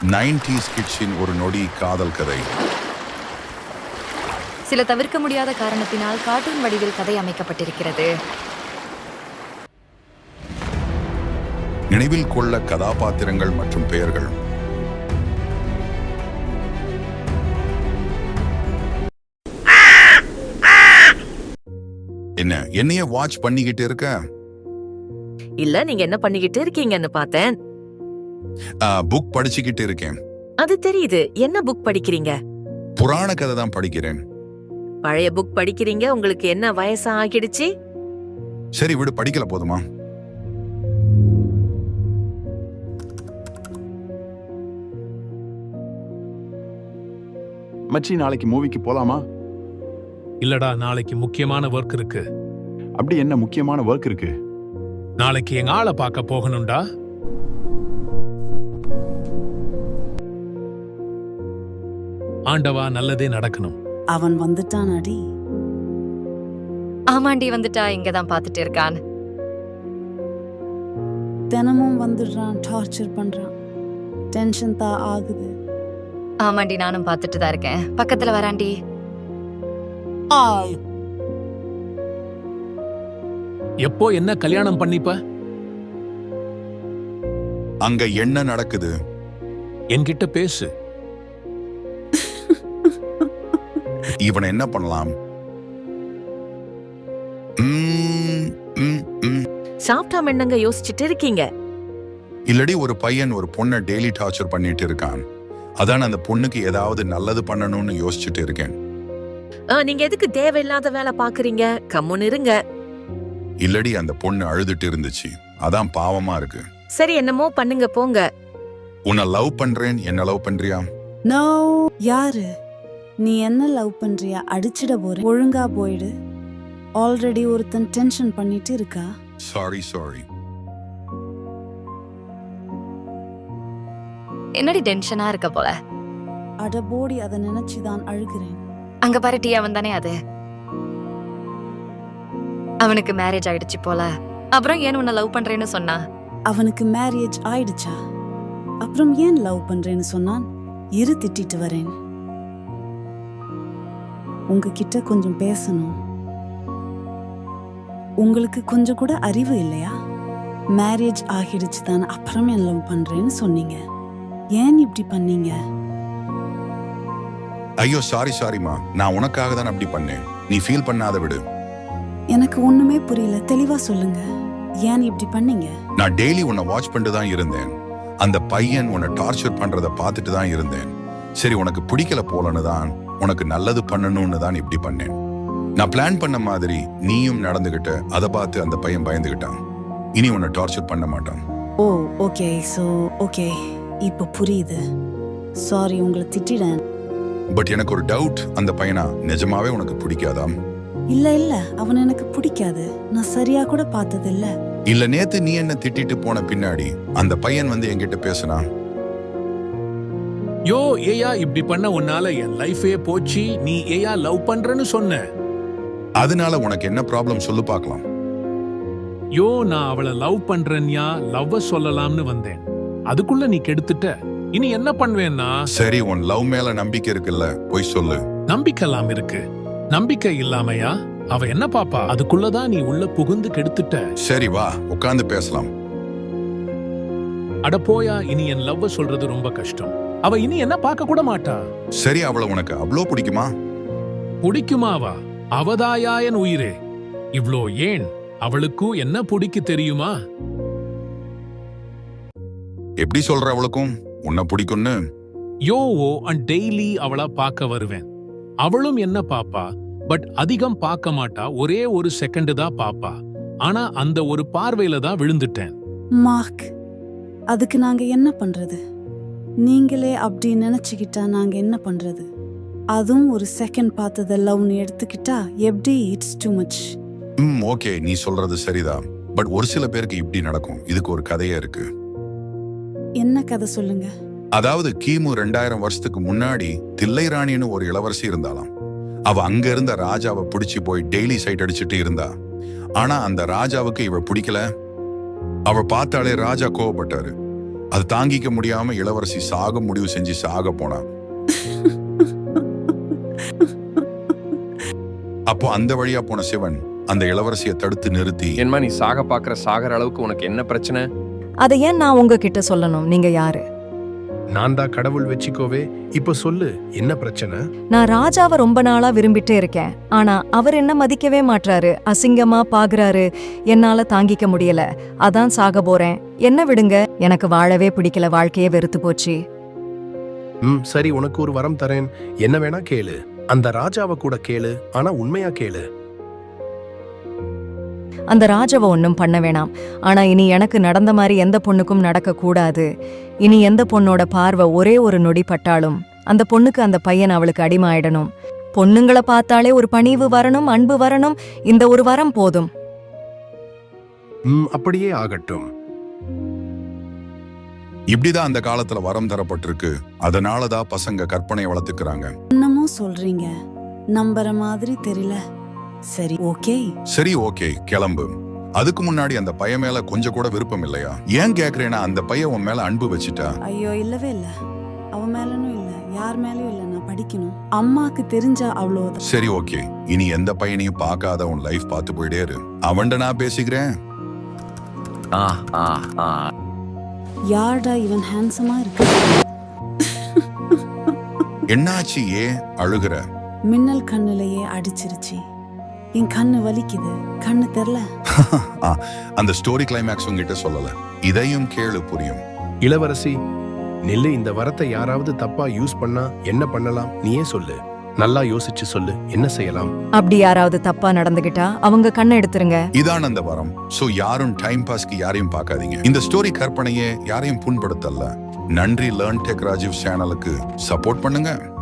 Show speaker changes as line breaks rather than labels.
90s கிட்ஸின் ஒரு நொடி காதல் கதை.
சில தவிர்க்க முடியாத காரணத்தினால் கார்ட்டூன் வடிவில் கதை அமைக்கப்பட்டிருக்கிறது.
நினைவில் கொள்ள கதாபாத்திரங்கள் மற்றும் பெயர்கள். என்னைய வாட்ச் பண்ணிக்கிட்டு இருக்க?
இல்ல, நீங்க என்ன பண்ணிக்கிட்டு இருக்கீங்கன்னு பார்த்தேன்.
புக் படிச்சுக்கிட்டு இருக்கேன்.
அது தெரியுது. என்ன புக் படிக்கிறீங்க?
புராண கதை தான் படிக்கிறேன்.
பழைய புக் படிக்கிறீங்க. உங்களுக்கு என்ன வயசு ஆகிடுச்சு?
சரி விடு, படிக்கல போதுமா?
மச்சி, நாளைக்கு மூவிக்கு போலாமா?
இல்லடா, நாளைக்கு முக்கியமான ஒர்க் இருக்கு.
அப்படி என்ன முக்கியமான ஒர்க் இருக்கு?
நாளைக்கு எங்க ஆளை பார்க்க போகணும்டா. ஆண்டவா, நல்லதே நடக்கணும்.
அவன் வந்துட்டான் அடி.
ஆமாண்டி, வந்துட்டா. இங்கதான் பாத்துட்டு இருக்கான்.
தினமும் வந்துடுறான், டார்ச்சர் பண்றான். டென்ஷன் தான் ஆகுது.
ஆமாண்டி, நானும் பாத்துட்டு தான் இருக்கேன். பக்கத்துல வராண்டி.
எப்போ என்ன கல்யாணம் பண்ணிப்ப?
அங்க என்ன நடக்குது?
என்கிட்ட பேசு.
இவனை என்ன பண்ணலாம்?
சாப்பிட்டாம என்னங்க யோசிச்சுட்டு இருக்கீங்க?
இல்லடி, ஒரு பையன் ஒரு பொண்ணை டெய்லி டார்ச்சர் பண்ணிட்டு இருக்கான். அதான் அந்த பொண்ணுக்கு ஏதாவது நல்லது பண்ணணும்னு யோசிச்சுட்டு இருக்கேன்.
நீங்க எதுக்கு தேவையில்லாத வேலை பாக்குறீங்க? கம்முன்னு இருங்க.
இல்லடி, அந்த பொண்ணு அழுதுட்டு இருந்துச்சு. அதான் பாவமா இருக்கு.
சரி, என்னமோ பண்ணுங்க, போங்க.
உன்னை லவ் பண்றேன். என்ன லவ் பண்றியா?
நோ. யாரு? நீ என்ன லவ் பண்றியா? அடிச்சிட போற. ஒழுங்கா போயிடு. ஆல்ரெடி ஒருத்தன் டென்ஷன் பண்ணிட்டு இருக்கா.
சாரி.
என்னடி டென்ஷனா இருக்க போல?
அட போடி, அதை நினைச்சுதான் அழுகிறேன்.
அங்க பாரு, டீ அவன் தானே அது. அவனுக்கு மேரேஜ் ஆயிடுச்சு போல. அப்புறம் ஏன் உன்னை லவ் பண்றேன்னு சொன்னா?
அவனுக்கு மேரேஜ் ஆயிடுச்சா? அப்புறம் ஏன் லவ் பண்றேன்னு சொன்னான்? இரு, திட்டிட்டு வரேன். உங்ககிட்ட கொஞ்சம் பேசணும். உங்களுக்கு கொஞ்சம் கூட அறிவு இல்லையா? மேரேஜ் ஆகிடுச்சு தான், அப்புறம் ஏன் லவ் பண்றேன்னு சொன்னீங்க? ஏன் இப்படி பண்ணீங்க?
ஐயோ, சாரிமா. நான் உனக்காக தான் அப்படி பண்ணேன். நீ ஃபீல் பண்ணாத, விடு.
எனக்கு ஒண்ணுமே புரியல. தெளிவா சொல்லுங்க. ஏன் இப்படி பண்ணீங்க?
நான் டெய்லி உன்னை வாட்ச் பண்ணிட்டு தான் இருந்தேன். அந்த பையன் உன்னை டார்ச்சர் பண்றத பார்த்துட்டு தான் இருந்தேன். சரி, உனக்கு பிடிக்கல போலன்னு தான், உனக்கு நல்லது பண்ணணும்னு தான் இப்படி பண்ணேன். நான் பிளான் பண்ண மாதிரி நீயும் நடந்துகிட்ட. அதை பார்த்து அந்த பையன் பயந்துகிட்டான். இனி உன்னை டார்ச்சர் பண்ண மாட்டான்.
ஓ, ஓகே. ஓகே, இப்ப புரியுது. சாரி, உங்களை திட்டிடேன்.
பட் எனக்கு ஒரு டவுட். அந்த பையனா நிஜமாவே உனக்கு பிடிக்காதாம்?
இல்ல, அவன் எனக்கு பிடிக்காது. நான் சரியா கூட பார்த்தது இல்ல.
இல்ல, நேத்து நீ என்ன திட்டிட்டு போன பின்னாடி அந்த பையன் வந்து என்கிட்ட பேசினா.
யோ, ஏயா இப்படி பண்ண உன்னால என் லைஃபே போச்சு. நீ ஏயா லவ் பண்றேன்னு சொன்ன?
அதனால உனக்கு என்ன ப்ராப்ளம் சொல்லு பார்க்கலாம்.
யோ, நான் அவளை லவ் பண்றேன்யா, லவ்வ சொல்லலாம்னு வந்தேன். அதுக்குள்ள நீ கெடுத்துட்ட. இனி என்ன பண்ணுவேன்னா?
சரி, உன் லவ் மேல நம்பிக்கை இருக்குல்ல, போய் சொல்லு.
நம்பிக்கைலாம் இருக்கு. நம்பிக்கை இல்லாமையா? அவ என்ன பாப்பா? அதுக்குள்ளதான் நீ உள்ள புகுந்து கெடுத்துட்ட.
சரி, வா உட்கார்ந்து பேசலாம்.
அட போயா, இனி என் லவ்வ சொல்றது ரொம்ப கஷ்டம். அவ இனி என்ன பார்க்க கூட மாட்டா.
சரி, அவளை உனக்கு அவ்வளோ பிடிக்குமா?
பிடிக்குமாவா? அவதாயா என் உயிரே. இவ்ளோ ஏன்? அவளுக்கும் என்ன பிடிக்கு தெரியுமா?
எப்படி சொல்ற? அவளுக்கும் உன்னை பிடிக்கும்னு?
யோவோ, டெய்லி அவளா பார்க்க வருவேன். அவளும் என்ன பாப்பா, பட் அதிகம் பார்க்க மாட்டா. ஒரே ஒரு செகண்ட் தான் பாப்பா. ஆனா அந்த ஒரு பார்வையில தான் விழுந்துட்டேன்.
மார்க், அதுக்கு நாங்க என்ன பண்றது? நீங்களே அப்படி நினைச்சுக்கிட்டா நாங்க என்ன பண்றது? அதுவும் ஒரு செகண்ட் பார்த்தத லவ்னு எடுத்துக்கிட்டா எப்படி? It's too much.
ஓகே, நீ சொல்றது சரிதான். பட் ஒரு சில பேருக்கு இப்படி நடக்கும். இதுக்கு ஒரு கதையே இருக்கு.
என்ன கதை சொல்லுங்க.
அதாவது கிமு 2000 வருஷத்துக்கு முன்னாடி தில்லை ராணின்னு ஒரு இளவரசி இருந்தாலாம். அவ அங்க இருந்த ராஜாவை பிடிச்சி போய் டெய்லி சைட் அடிச்சுட்டு இருந்தா. ஆனா அந்த ராஜாவுக்கு இவ பிடிக்கல. அவ பார்த்தாலே ராஜா கோவப்பட்டாரு. அது தாங்கிக்க முடியாம இளவரசி சாக முடிவு செஞ்சு சாக போனா. அப்போ அந்த வழியா போன சிவன் அந்த இளவரசியை தடுத்து நிறுத்தி,
ஏன்மா நீ சாக பாக்குற சாகர அளவுக்கு உனக்கு என்ன பிரச்சனை?
அதை ஏன் நான் உங்ககிட்ட சொல்லணும்? நீங்க யாரு?
நான் தான் கடவுள் வெச்சிக்கோவே. இப்ப சொல்லு, என்ன பிரச்சனை?
நான் ராஜாவை ரொம்ப நாளா விரும்பிட்டே இருக்கேன். ஆனா அவர் என்ன மதிக்கவே மாட்றாரு, அசிங்கமா பாக்குறாரு. என்னால தாங்கிக்க முடியல, அதான் சாக போறேன். என்ன விடுங்க, எனக்கு வாழவே பிடிக்கல, வாழ்க்கையே வெறுத்து போச்சு.
சரி, உனக்கு ஒரு வரம் தரேன். என்ன வேணா கேளு. அந்த ராஜாவை கூட கேளு, ஆனா உண்மையா கேளு.
அந்த ராஜாவை ஒன்றும் பண்ண வேணாம். ஆனா இனி எனக்கு நடந்த மாதிரி எந்த பொண்ணுக்கும் நடக்க கூடாது. இனி எந்த பொண்ணோட பார்வை ஒரே ஒரு நொடி பட்டாலும் அந்த பொண்ணுக்கு அந்த பையன் அவளுக்கு அடிமை ஆயிடணும். பொண்ணுங்களை பார்த்தாலே ஒரு பணிவு வரணும், அன்பு வரணும். இந்த ஒரு வரம் போதும்.
அப்படியே ஆகட்டும்.
இப்படிதான் அந்த காலத்துல வரம் தரப்பட்டிருக்கு. அதனாலதான் பசங்க கற்பனை வளர்த்துக்கிறாங்க.
என்னமோ சொல்றீங்க, நம்புற மாதிரி தெரியல. சரி, ஓகே.
சரி, ஓகே, கிளம்பு. அதுக்கு முன்னாடி அந்த பையன் மேல கொஞ்சம் கூட விருப்பம் இல்லையா? ஏன் கேக்குறேன்னா, அந்த பையன் உன் மேல அன்பு வச்சுட்டா.
ஐயோ, இல்லவே இல்ல. அவ மேலனும் இல்ல, யார் மேலயும் இல்ல. நான் படிக்கணும். அம்மாக்கு தெரிஞ்சா அவ்வளவுதான்.
சரி, ஓகே. இனி எந்த பையனையும் பார்க்காத உன் லைஃப் பார்த்து போயிட்டே இரு. அவன்ட நான் பேசிக்கிறேன்.
யார்டா இவன் ஹேண்ட்ஸமா இருக்கு?
என்னாச்சு? ஏன் அழுகுற?
மின்னல் கண்ணுலயே அடிச்சிருச்சு. என் கண்ணு வலிக்குது. கண்ணு தெரியல.
அந்த ஸ்டோரி கிளைமேக்ஸ் உங்ககிட்ட சொல்லல. இதையும் கேளு, புரியும்.
இளவரசி நில்லு. இந்த வரத்தை யாராவது தப்பா யூஸ் பண்ணா என்ன பண்ணலாம்? நீயே சொல்லு. நல்லா யோசிச்சு சொல்லு, என்ன செய்யலாம்?
அப்படி யாராவது தப்பா நடந்துகிட்டா அவங்க கண்ணை எடுத்துருங்க.
இதான் அந்த வரம். சோ யாரும் டைம் பாஸ்க்கு யாரையும் பார்க்காதீங்க. இந்த ஸ்டோரி கற்பனையே யாரையும் புண்படுத்தல. நன்றி. லேர்ன் டெக் ராஜீவ் சேனலுக்கு சப்போர்ட் பண்ணுங்க.